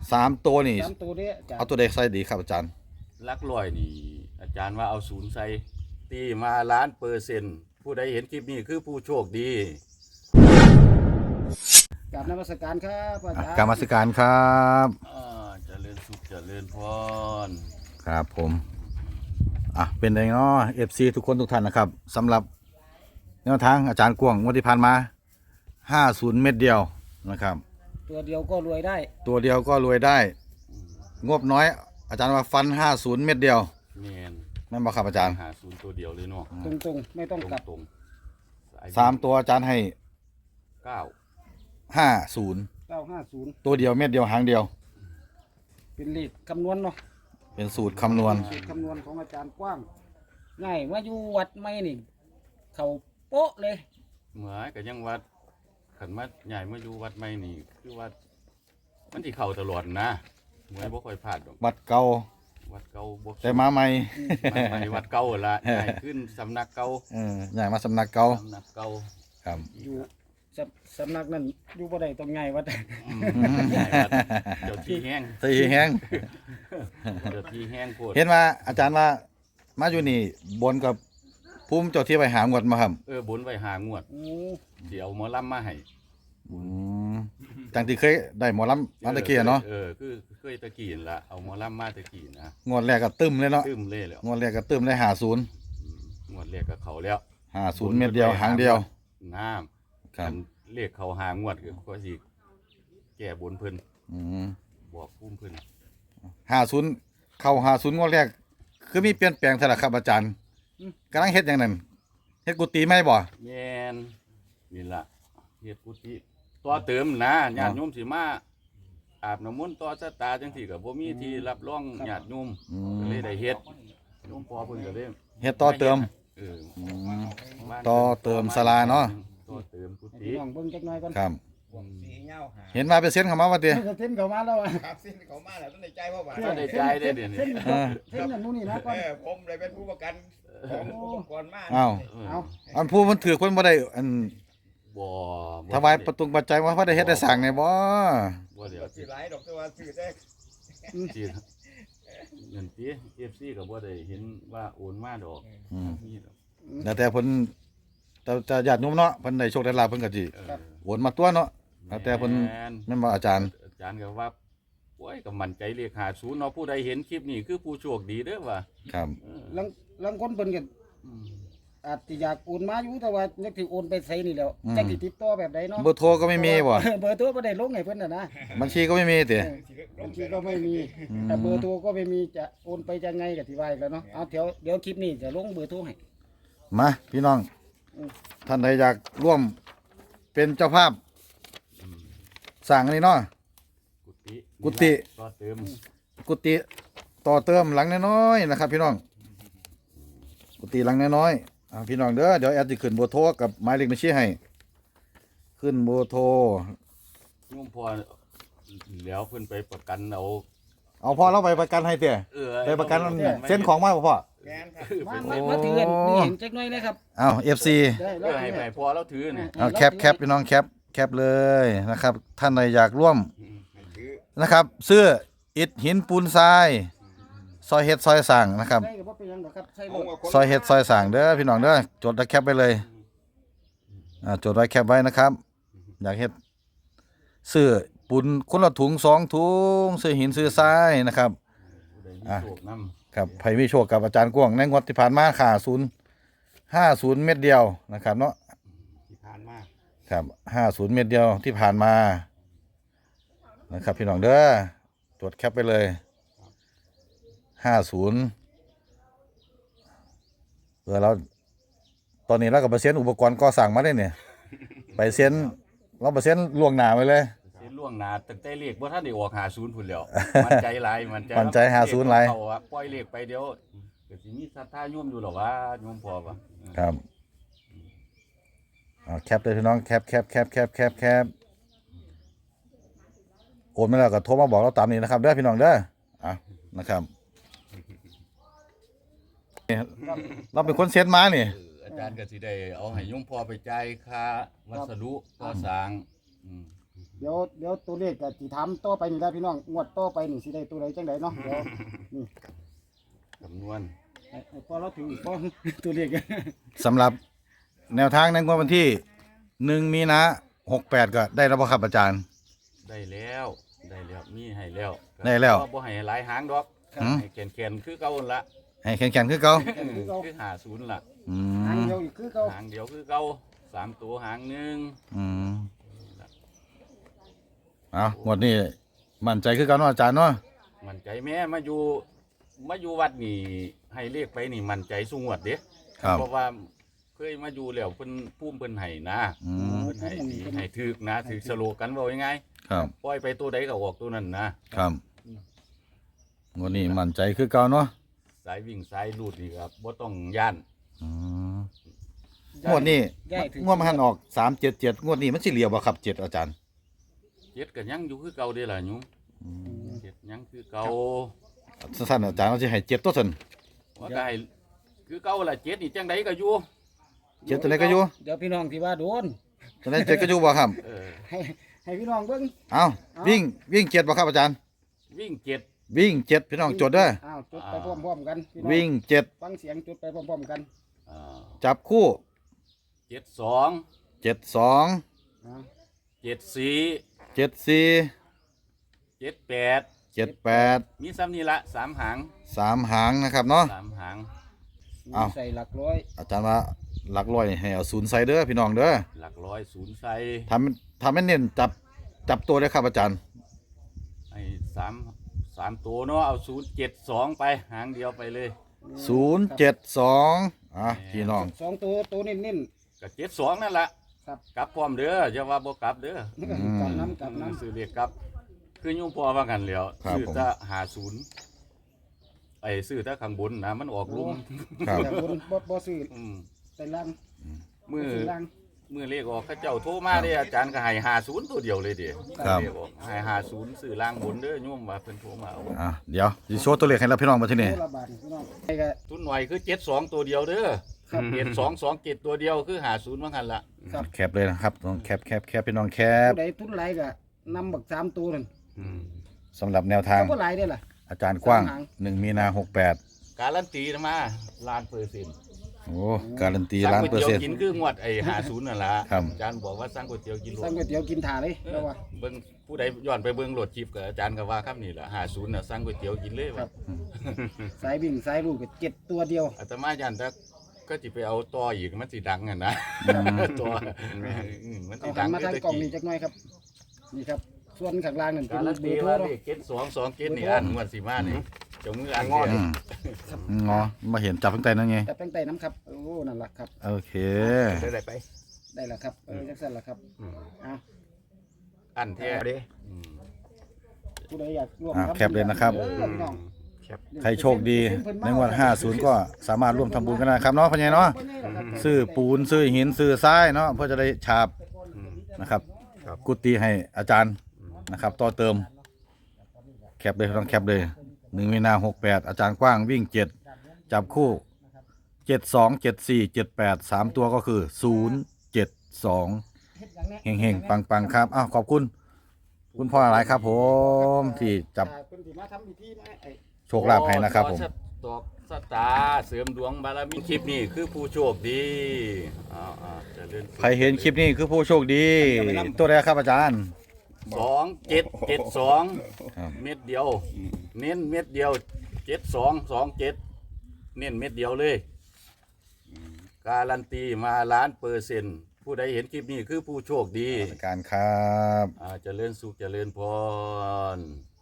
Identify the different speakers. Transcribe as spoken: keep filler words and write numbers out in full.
Speaker 1: สามตัวนี่
Speaker 2: สามตัวนี้อาจาร
Speaker 1: เอา
Speaker 2: ย์
Speaker 1: ตัวใดใส่ดีครับอาจารย์
Speaker 3: ลักลอยนี่อาจารย์ว่าเอาศูนย์ใส่ตีมาล้านเปอร์เซ็นต์ผู้ใดเห็นคลิปนี้คือผู้โชคดี
Speaker 2: กราบนมัสการครับอาจารย์
Speaker 1: กรรมสการครับ
Speaker 3: อ่าเจริญสุขเจริญพร
Speaker 1: ครับผมอ่ะเป็นไงเนาะ เอฟ ซี ทุกคนทุกท่านนะครับสำหรับแนวทางอาจารย์กวงงวดที่ผ่านมาห้าสิบเม็ดเดียวนะครับ
Speaker 2: ตัวเดียวก็รวยได้
Speaker 1: ตัวเดียวก็รวยได้ งบน้อย อาจารย์ว่าฟันห้าสิบเม็ดเดียว
Speaker 3: แมน
Speaker 1: นั่นบ่ครับอาจารย์
Speaker 3: หาศูนย์ตัวเดียวเลยเนาะ
Speaker 2: ตรงๆ ไม่ต้อง
Speaker 3: ตรง
Speaker 2: กลับ
Speaker 3: ตรง
Speaker 1: สามตัวอาจารย์ให้
Speaker 3: เก้า
Speaker 1: ห้าศูนย์
Speaker 2: เก้าห้าศูนย์
Speaker 1: ตัวเดียวเม็ดเดียวหางเดียว
Speaker 2: เป็นเลขคำนวณเนาะ
Speaker 1: เป็นสูตรคำนวณ
Speaker 2: สูตรคำนวณของอาจารย์กว้างง่ายว่าอยู่วัดไม่นี่เขาโป๊ะเลย
Speaker 3: เหมือนกับยังวัดขันมาใหญ่มาอยู่วัดไม่นี่คือวัดมันที่เข่าตลอดนะเหมือนบ่ค่อยพลาดดอก
Speaker 1: วัดเก่า
Speaker 3: วัดเก่าบ่
Speaker 1: แต่มาใหม่
Speaker 3: มันไปวัดเก่าละใหญ่ขึ้นสำนักเก่า
Speaker 1: เออใหญ่มาสำนักเก่า
Speaker 3: สำนักเก่า
Speaker 1: ครับ
Speaker 2: อยู่สำสำนักนั้นอยู่บ่ได้ตรงไงวัด
Speaker 3: อืมใหญ่วัดเจ้าที่แห้ง
Speaker 1: สีแห้ง
Speaker 3: เจ้าที่แห้งโพด
Speaker 1: เห็นว่าอาจารย์ว่ามาอยู่นี่บนกับภูมิเจ้าที่ไปหางวดมาครับ
Speaker 3: เออบนไว้หางวด
Speaker 2: โอ้
Speaker 3: เดี๋ยวหมอลำมาให้
Speaker 1: อืมจังที่เคยได้หมอลำมาตะเกียเนาะ
Speaker 3: เออคือเคยตะกี้นั่นละเอาหมอลำมาตะกี้นะ
Speaker 1: งวดแรกก็ตึมเลยเนาะ
Speaker 3: ตึมเลยแล้ว
Speaker 1: งวดแรกก็ตึมเลยหาศูนย์
Speaker 3: อืมงวดแรกก็เขาแล้ว
Speaker 1: หาศูนย์เม็ดเดียวหางเดียว
Speaker 3: น้
Speaker 1: ครั
Speaker 3: ำ
Speaker 1: บ
Speaker 3: เรียกเขาหางวดก็สิแก่บนเพิ่น
Speaker 1: อืม
Speaker 3: บอกพุ่มเพิ่น
Speaker 1: หาศูนย์เข้าหาศูนย์งวดแรก คือมีเปลี่ยนแปลงสลักครับอาจารย์กำลังเฮ็ดอย่างนั้นเฮ็ดกุฏิไม่บ่
Speaker 3: แม่นนี่ล่ะเฮ็ดกุฏิต่อเติมนะญาติโยมสิมาอาบน้ำมนต์ต่อชะตาจังซี่ก็บ่มีที่รับรองญาติโยม
Speaker 1: อื
Speaker 3: ก็
Speaker 1: ม
Speaker 3: เลยได้เฮ็ดโยมพ่อเพิ่นก็เลย
Speaker 1: เฮ็ดต่อเติม
Speaker 3: เออ
Speaker 1: อืม
Speaker 3: บ้าน
Speaker 1: ต่อเติมศาลาเนาะ
Speaker 3: ต่อเติมกุ
Speaker 2: ให้
Speaker 3: ฏิ
Speaker 2: พี่น้องเบิ่งจักหน่อยก่อน
Speaker 1: ครับ
Speaker 4: สีเงาหา
Speaker 1: เห็นมาเป็นเส้นเข้ามาว่าติ
Speaker 2: เส้นเข้ามาแล้วอะ
Speaker 4: ครับสิ้นเขามาแล้วต้องในใจพ่อบาท
Speaker 3: ก็ได้ใจได้เดี๋ยวนี้
Speaker 2: เส้น
Speaker 1: เออ
Speaker 2: เส้นอย่างนู้นนี่นะก่อน
Speaker 4: เออผมเลยเป็นผู้ประกันของอุปกรณ์มาก
Speaker 1: อ้าว
Speaker 2: เอา
Speaker 1: อันผู้มันถือเพิ่นบ่ได้อัน
Speaker 3: บ่บ่
Speaker 1: ถวายประตูปัจจัยว่าพระได้เฮ็ดได้สร้างไงบ่
Speaker 3: บ่เดี๋ยว
Speaker 4: สีไหลดอกตัวสื่อได้
Speaker 3: สิเงินติ เอฟ ซี ก็บ่ได้เห็นว่าโอนมาดอก
Speaker 1: อืม
Speaker 3: มีดอก
Speaker 1: แล้วแต่เพิ่นแต่แต่ญาติโยมเนาะเพิ่นได้โชคได้ลาภเพิ่นก็สิ
Speaker 3: เออ
Speaker 1: โอนมาตัวเนาะแล้วแต่เพิ่น
Speaker 3: แม่น
Speaker 1: แม่นบ่อาจารย์
Speaker 3: อาจารย์ก็ว่าโอ้ยก็มั่นใจเลขห้าสิบเนาะผู้ใดเห็นคลิปนี้คือผู้โชคดีเด้อว่า
Speaker 1: ครับ
Speaker 3: เออ
Speaker 2: ลังลังคนเพิ่นก็
Speaker 3: อืม
Speaker 2: อาจจะอยากโอนมาอยู่แต่ว่านึกถึงโอนไปใส่นี่แล้วจักสิติดต่อแบบใดเนาะ
Speaker 1: เบอร์โทรก็ไม่มีบ่
Speaker 2: เบอร์โทรบ่ได้ลงให้เพิ่นน่ะนะ
Speaker 1: บัญชีก็ไม่มีติ
Speaker 2: บางทีก็ไม่มีแต่เบอร์โทรก็ไม่มีจะโอนไปจะไงก็ที่ว่าอีกแล้วเนาะเอาเดี๋ยวเดี๋ยวคลิปนี้จะลงเบอร์โทรให้
Speaker 1: มาพี่น้อง
Speaker 2: อืม
Speaker 1: ท่านใดอยากร่วมเป็นเจ้าภาพสร้างอันนี้เนาะ
Speaker 3: กุฏิ
Speaker 1: กุฏิ
Speaker 3: ต่อเติม
Speaker 1: กุฏิต่อเติมหลังน้อยๆนะครับ พี่น้องกุฏิหลังน้อยๆอ่าพี่น้องเด้อเดี๋ยวแอดจะขึ้นเบอร์โทรกับหมายเลขบัญชีให้ ขึ้นเบอร์โทร
Speaker 3: โยมพ่อแล้วเพิ่นไปประกันเอา
Speaker 1: เอาพ่อเราไปประกันให้เตี้ย
Speaker 3: เออ
Speaker 1: ไปประกันเส้นของมาบ่พ่อ
Speaker 4: แมนครับ
Speaker 2: มามามาถือกันนี่เห็นจักหน่อยนะครับ
Speaker 1: เอาเอฟซี
Speaker 2: ได้
Speaker 3: เอ
Speaker 2: แล้ว
Speaker 3: อให้ให้พ่อเราถือนี่
Speaker 1: เอาแคปแคปพี่น้องแคปแคปเลยนะครับ ท่านใดอยากร่วม
Speaker 4: ถือ
Speaker 1: นะครับเสื้ออิฐหินปูนทรายซอยเฮ็ดซอยสั่งนะครับ
Speaker 2: ได้ก็บ่เป็นหยังหรอกครับใช่ร
Speaker 4: ผม
Speaker 2: ถ
Speaker 4: กับคน
Speaker 1: ซอยเฮ็ดซอยสั่งเด้อพี่น้องเด้อจดแล้วแคปไปเลยอ่าจดไว้แคปไว้นะครับ อยากเฮ็ดเสื้อปูนคนละถุงสองถุงเสื้อหินเสื้อทรายนะครับ
Speaker 3: ผู้ใดมี
Speaker 1: อ่ะ
Speaker 3: โชคนำ
Speaker 1: ครับไผมีโชคกับอาจารย์กวางในงวดที่ผ่านมาค่าศูนย์ห้าศูนย์เม็ดเดียวนะครับเนาะ
Speaker 4: ที่ผ่านมา
Speaker 1: ครับห้าศูนย์เม็ดเดียวที่ผ่านมานะครับพี่น้องเด้อจดแคปไปเลยห้าศูนย์เออเราตอนนี้เรากับเปอร์เซ็นต์อุปกรณ์ก่อสร้างมาได้เนี่ยไปเซ็นเราเปอร์เซ็นต์ล่วงหน้าไปเลย
Speaker 3: เส้นล่วงหน้าตั้งแต่เลขบ่ทันได้ออกห้าสิบพุ่นแล้วมั่นใจหลายมั่นใจ
Speaker 1: มั่นใจห้าสิบหลาย
Speaker 3: เขอะปล่อยเลขไปเดี๋ยวก็สิมีศรัทธาโยมอยู่หรอว่าโยมพ่อว่า
Speaker 1: ครับเอาแคปเลยพี่น้องแคปแคปแคปแคปแคปแคปโอนมาแล้วก็โทรมาบอกเราตามนี้นะครับเด้อพี่น้องเด้ออ่ะนะครับนี่เราเป็นคนเซ็นมานี่
Speaker 3: เอออาจารย์ก็สิได้เอาให้โยมพ่อไปจ่ายค่าวัสดุก่อสร้างอืม
Speaker 2: เดี๋ยวเดี๋ยวตัวเลขก็สิถามต่อไปนี่ล่ะพี่น้องงวดต่อไปนี่สิได้ตัวใดจังไดเนาะเดี๋ยวนี่
Speaker 3: คำนวณ
Speaker 2: ให้ให้พอเราถึงพอ ตัวเลข
Speaker 1: สำหรับแนวทางในงวดวันที่หนึ่งมีนาหกแปดก็ได้แล้วบ่ครับอาจารย์
Speaker 3: ได้แล้วได้แล้วมีให้แล้ว
Speaker 1: ได้แล้ว
Speaker 3: บ่ให้หลายหางดอก
Speaker 1: อืม
Speaker 3: ให้แก่นๆคือเก่าหั่นละ
Speaker 1: ให้แข็งๆคือเก่า
Speaker 2: คือเก่า
Speaker 3: คือหาศูนย์ล่ะ
Speaker 1: อื
Speaker 2: หาง
Speaker 1: ม
Speaker 2: เดียวอีกคือเก่า
Speaker 3: หางเดียวคือเก่าสามตัวหางหนึ่ง
Speaker 1: อืมเอางวดนี้มั่นใจคือเก่าเนาะอาจารย์เนาะ
Speaker 3: มั่นใจแม่มาอยู่มาอยู่วัดนี่ให้เลขไปนี่มั่นใจสูงวดเด้
Speaker 1: ครับ
Speaker 3: เพราะว่าเคยมาอยู่แล้วเพิ่นภูมิเพิ่นให้นะ
Speaker 1: อืม
Speaker 3: เพิ่นให้ดีให้ถึกนะถึกสโลกันว่ายังไง
Speaker 1: ครับ
Speaker 3: ปล่อยไปตัวใดก็ออกตัวนั้นนะครับ
Speaker 1: งวดนี้มั่นใจคือเก่าเนาะ
Speaker 3: สายวิ่งสายลูดนี่ครับบ่ต้องย่าน
Speaker 1: อืมงวดนี้
Speaker 2: ย้ายถึง
Speaker 1: งวดมันหันออกสามเจ็ดเจ็ดงวดนี้มันสิเหลียวบ่ครับเจ็ดอาจารย์
Speaker 3: เจ็ดก็ยังอยู่คือเก่าเด้ล่ะหนูเจ็ดยังคือเก่า
Speaker 1: สั้นๆอาจารย์เราจะให้เจ็ดตัวสัน
Speaker 3: ว่าก็ให้คือเก่าล่ะเจ็ดนี่จังไดก็อยู่
Speaker 1: เจ็ดตัวไหนก็อยู่
Speaker 2: เดี๋ยวพี่น้องที่ว่าโดน
Speaker 1: ตัวไหนเจ็ดก็อยู่บ่ครับ
Speaker 3: เออ
Speaker 2: ให้ให้พี่น้องเบิ่ง
Speaker 1: เอา
Speaker 2: เอา
Speaker 1: วิ่งวิ่งเจ็ดบ่ครับอาจารย์
Speaker 3: วิ่งเจ็ด
Speaker 1: วิ่งเจ็ดพี่น้องจดเด้อ
Speaker 2: อ้าวจุดไปพร้อมๆกันพี่น้อง
Speaker 1: วิ่งเจ็ด
Speaker 2: ฟังเสียงจุดไปพร้อมๆกัน
Speaker 3: อ่า
Speaker 1: จับคู่
Speaker 3: เจ็ดสอง
Speaker 1: เจ็ดสอง
Speaker 2: อ่า
Speaker 3: เจ็ดสี่
Speaker 1: เจ็ดสี่
Speaker 3: เจ็ดแปด
Speaker 1: เจ็ดแปด
Speaker 3: มีซ้ำนี่ละสามหาง
Speaker 1: สามหางนะครับเนาะ
Speaker 3: สามหาง
Speaker 1: อ้าว
Speaker 2: ใส่หลักร้อย
Speaker 1: อาจารย์ว่าหลักร้อยให้เอาศูนย์ใส่เด้อพี่น้องเด้อ
Speaker 3: หลักร้อยศูนย์ใส่
Speaker 1: ทำทำให้เน้นจับจับตัวเลยครับอาจารย์
Speaker 3: ไอ้สามสามตัวเนาะเอาศูนย์เจ็ดสองไปหางเดียวไปเลย
Speaker 1: ศูนย์เจ็ดสองอ่ะพี่น้อง
Speaker 2: สองตัวตัวนิ่น
Speaker 3: กับเจ็ดสองนั่นแหละ
Speaker 2: ๆครับ
Speaker 3: กลับพร้อมเด้ออย่าว่าบ่กลับเด้อ
Speaker 2: กลับน้ำกลับน้ำ
Speaker 3: ซื้อเรียกกลับ คือยุ่งพอว่ากันแล้ว
Speaker 1: ครับ
Speaker 3: ซื้อ
Speaker 1: ผม
Speaker 3: ถ้าหาศูนย์ไอ้ซื้อถ้าข้างบนนะมันออกลุ่ม
Speaker 1: ครับ
Speaker 2: แต่บนบ่บ่ซื้อ
Speaker 3: อืม
Speaker 2: แต่ล่าง
Speaker 3: มือ
Speaker 2: ซื้อล่าง
Speaker 3: มือเลขออกเขาเจ้าโทรมาเด้อาจารย์ก็ให้หาศูนย์ตัวเดียวเลยเด้
Speaker 1: ครับ
Speaker 3: เลขออกให้หาศูนย์ซื้อล่างบนเด้อโยมว่าเพิ่นโทรมาเอา
Speaker 1: อ่ะเดี๋ยวสิโชว์ตัวเลขให้เราพี่น้องมาที่นี่
Speaker 2: ตัวละบาทพี่น้องไอ้ก็
Speaker 3: ทุนหน่อยคือเจ็ดสองตัวเดียวเด้อ
Speaker 2: ครับ
Speaker 3: เจ็ดสองสองเจ็ดตัวเดียวคือหาศูนย์ว่ากันละ
Speaker 2: ครับ
Speaker 1: แคปเลยนะครับต้องแคปแคปแคปพี่น้องแคป
Speaker 2: ผู้ใดทุนหลายก็นำบักสามตัวนั่น
Speaker 3: อืม
Speaker 1: สำหรับแนวทาง
Speaker 2: ก็หลายได้อล่ะ
Speaker 1: อาจารย์กว้าง
Speaker 2: สามหาง
Speaker 1: หนึ่งมีนาหกแปด
Speaker 3: การันตีนะมาล้านเปอร์เซ็นต์
Speaker 1: โอ้การันตี
Speaker 3: สั่ง
Speaker 1: ล้าน
Speaker 3: ก๋วย
Speaker 1: เปอร์
Speaker 3: เตี๋ยว
Speaker 1: เซ็นต์
Speaker 3: กินคืองวดไอ้หาศูนย์นั่นละ
Speaker 1: ครับ
Speaker 3: อาจารย์บอกว่าสั่งก๋วยเตี๋ยวกินโล
Speaker 2: สั่งก๋วยเตี๋ยวกินถ่าเลยแล้วว่า
Speaker 3: เบิ่งผู้ใดย้อนไปเบิ่งโหลดคลิปกับอาจารย์ก็ว่าครับนี่แหละหาศูนย์น่ะสั่งก๋วยเตี๋ยวกินเลย
Speaker 2: ครั
Speaker 3: ว่า
Speaker 2: บ สายวิ่งสายลูกก็เจ็ดตัวเดียว
Speaker 3: อาตมายันถ้าก็สิไปเอาต่ออีกมันสิดังอ่ะนะตัวอืมมันสิ
Speaker 2: เอา
Speaker 3: ดั
Speaker 2: หัน
Speaker 3: ง
Speaker 2: มาทาง
Speaker 3: คื
Speaker 2: กล่อง
Speaker 3: กี้
Speaker 2: นี่จักหน่อยครับนี่ครับ ส่วนข้างล่างนั่นเป็น
Speaker 3: การัน
Speaker 2: เบ
Speaker 3: ตี
Speaker 2: อร์โทร
Speaker 3: ว่า
Speaker 2: เนาะ
Speaker 3: เลขเจ็ดสองสองเจ็ดนี่อันงวดสิมานี่เจามืออัน
Speaker 4: งอ
Speaker 3: เดี
Speaker 1: อื
Speaker 3: ยว
Speaker 1: มงอมาเห็นจับตั้งแต่นั่นไง
Speaker 2: จับตั้งแต่น้ำครับโอ้นั่นล่ะครับ
Speaker 1: โอเค
Speaker 4: ได้ได้ไป
Speaker 2: ได้แล้วครับเออจักสั่นล่ะครับ
Speaker 3: อืม
Speaker 2: เอา
Speaker 3: อันแท้
Speaker 4: เอาดิ
Speaker 3: อืม
Speaker 2: ผู้ใดอยากร่วม
Speaker 1: อ่ะ
Speaker 2: ทำ
Speaker 1: แคปเลยนะครับ
Speaker 2: เออพี่น้อง
Speaker 4: แคป
Speaker 1: ใครโชคดีในงวดห้าสิบก็สามารถร่วมทำบุญกันได้ครับเนาะพ่อใหญ่เนาะซื้อปูนซื้อหินซื้อทรายเนาะเพื่อจะได้ฉาบนะครับ กุฏิให้อาจารย์นะครับ ต่อเติม แคปเลยต้องแคปเลยหนึ่งมีนาหกแปดอาจารย์กว้างวิ่งเจ็ดจับคู่เจ็ดสองเจ็ดสี่เจ็ดแปดสามตัวก็คือศูนย์เจ็ดสองเฮงเฮงปังปังๆครับอ้าวขอบคุณ คุณพ่อหลายครับผมที่จับ
Speaker 2: อ่าเพิ่นสิมาทำพิธีมาไอ้
Speaker 1: โชคลาภให้นะครับผม
Speaker 3: ตอกสตาร์เสริมดวงบารมีคลิปนี้คือผู้โชคดีอ้าวๆเจะเล่น
Speaker 1: ใครเห็นคลิปนี้คือผู้โชคดี ตัวแรกครับอาจารย์
Speaker 3: สองเจ็ดเจ็ดสอง
Speaker 1: ครับ
Speaker 3: เม็ดเดียว เน้นเม็ดเดียวเจ็ดสองสองเจ็ดเน้นเม็ดเดียวเลย การันตีมาล้านเปอร์เซ็นต์ผู้ใดเห็นคลิปนี้คือผู้โชคดี
Speaker 1: การครับ
Speaker 3: อาเจริญสุขเจริญพร